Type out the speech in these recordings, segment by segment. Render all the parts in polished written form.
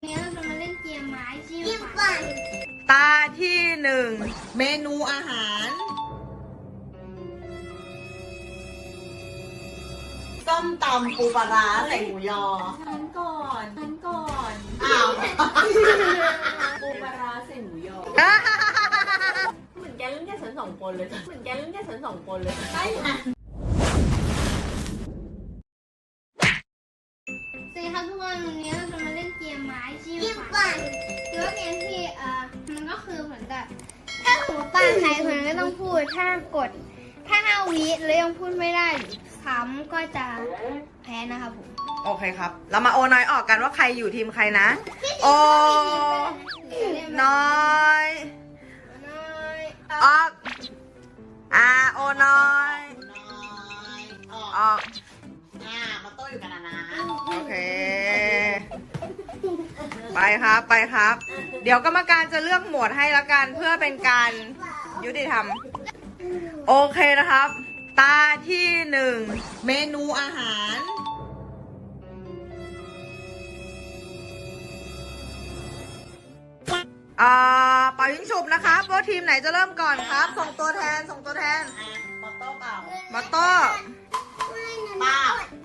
นี้เราจะมาเล่นเกมไม้จิ้มฟันตาที่หนึ่งเมนูอาหารส้มตำปูปลาร้าใส่หมูยอฉันก่อนอ้าวปูปลาร้าใส่หมูยอเหมือนแกเล่นแค่ฉันสองคนเลยใช่ไหมสวัสดีครับทุกคนวันนี้เราจะมาเล่นเกมไม้จิ้มฟันคือว่าเกมที่มันก็คือเหมือนกับถ้าสมมติป้าใครคนนั้นก็ต้องพูดถ้า5 วิแล้วยังพูดไม่ได้ซ้ำก็จะแพ้นะครับผมโอเคครับ เรามาโอน้อยออกกันว่าใครอยู่ทีมใครนะ โอน้อยออกโอน้อยออกมาโต้อยู่กันนะโอเค ไปครับ เดี๋ยวกรรมการจะเลือกหมวดให้ละกันเพื่อเป็นการยุติธรรมโอเคนะครับ ตาที่หนึ่งเมนูอาหารเป่ายิงฉุบนะครับว่าทีมไหนจะเริ่มก่อนครับ ส่งตัวแทนมอโต้เปล่ามาโต้ป้า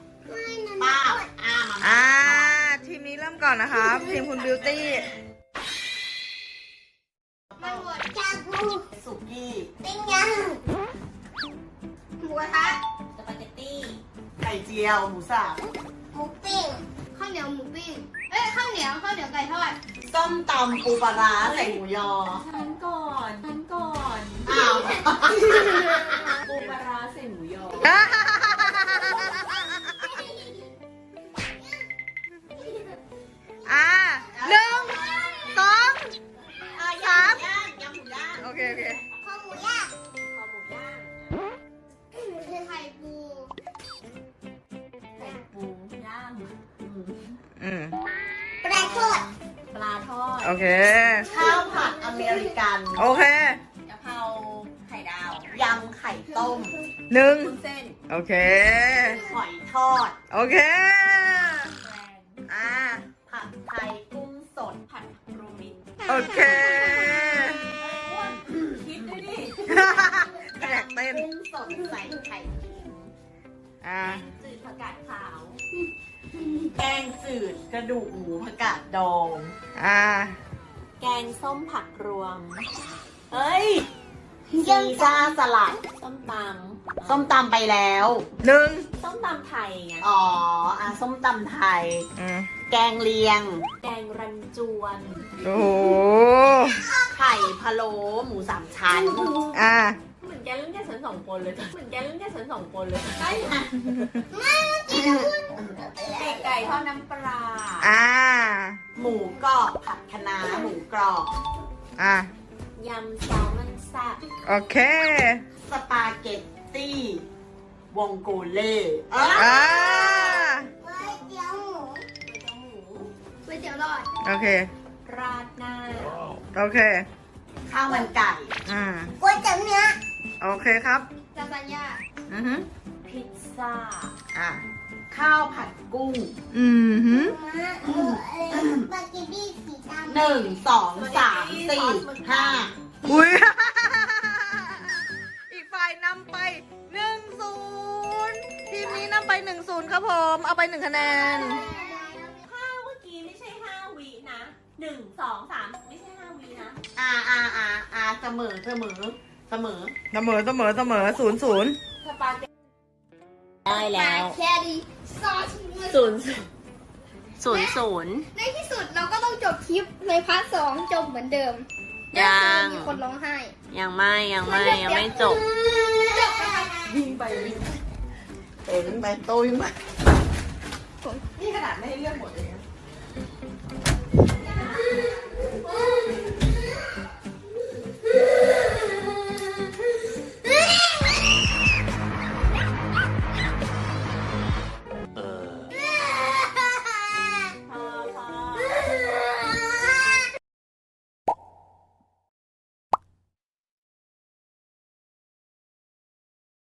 ทีมนี้เริ่มก่อนนะครับทีมคุณบิวตี้มันหมดชาบูสุกี้ปิ้งย่างหมูกระทะสปาเกตตี้ไข่เจียวหมูสับหมูปิ้งข้าวเหนียวหมูปิ้งข้าวเหนียวไก่ทอดส้มตำปูปลาร้าใส่หมูยอฉันก่อนอ้าวปูปลาร้าใส่หมูยอ 1 2 3 ยำหมูย่างโอเคข้าวหมูย่าง ไข่ปูย่างปลาทอดโอเคข้าวผัดอเมริกันโอเคกะเพราไข่ดาวยำไข่ต้ม 1 วุ้นเส้นโอเคหอยทอดโอเคผัดไทยกุ้งสดผัดโรมินโอเคคิดด้วยดิแตกเต้นกุ้งสดใส่ไข่เค็มจืดผักกาดขาว แกงจืดกระดูกหมูผักกาดดองแกงส้มผักรวมเฮ้ยซีซ่าสลัดส้มตำไปแล้ว 1 ส้มตำไทยไงส้มตำไทยแกงเลียงแกงรันจวนโอ้โหไข่พะโล้หมู3 ชั้นเหมือนแกเล่นแค่ฉันสองคนเลยใช่ไหมไก่ทอดน้ำปลาหมูกรอบผัดคะน้าหมูกรอบยำแซลมอนแซ่บโอเคสปาเกตตี้วงโกเล่ก๋วยเตี๋ยวหมูก๋วยเตี๋ยวหลอดโอเคราดหน้าโอเคข้าวมันไก่ก๋วยเตี๋ยวเนื้อโอเคครับลาซานญ่าพิซซ่าข้าวผัดกุ้งสปาเกตตี้สีดำ 1 2 3 4 5 อุ้ย อีกฝ่ายนำไป 1-0 ทีมนี้นำไป 1-0 ครับผม เอาไป 1 คะแนนเมื่อกี้ไม่ใช่5 วินะ1 2 3ไม่ใช่5 วินะเสมอ 0-0 สปาเกตตี้ได้แล้วแค่ดีซอส 0 ในที่สุดเราก็ต้องจบคลิปในพาร์ท 2จบเหมือนเดิมมีคนร้องไห้ยังไม่จบนะคะวิ่งไปโต้วิ่งไปนี่ขนาดไม่ให้เลือกหมดเลย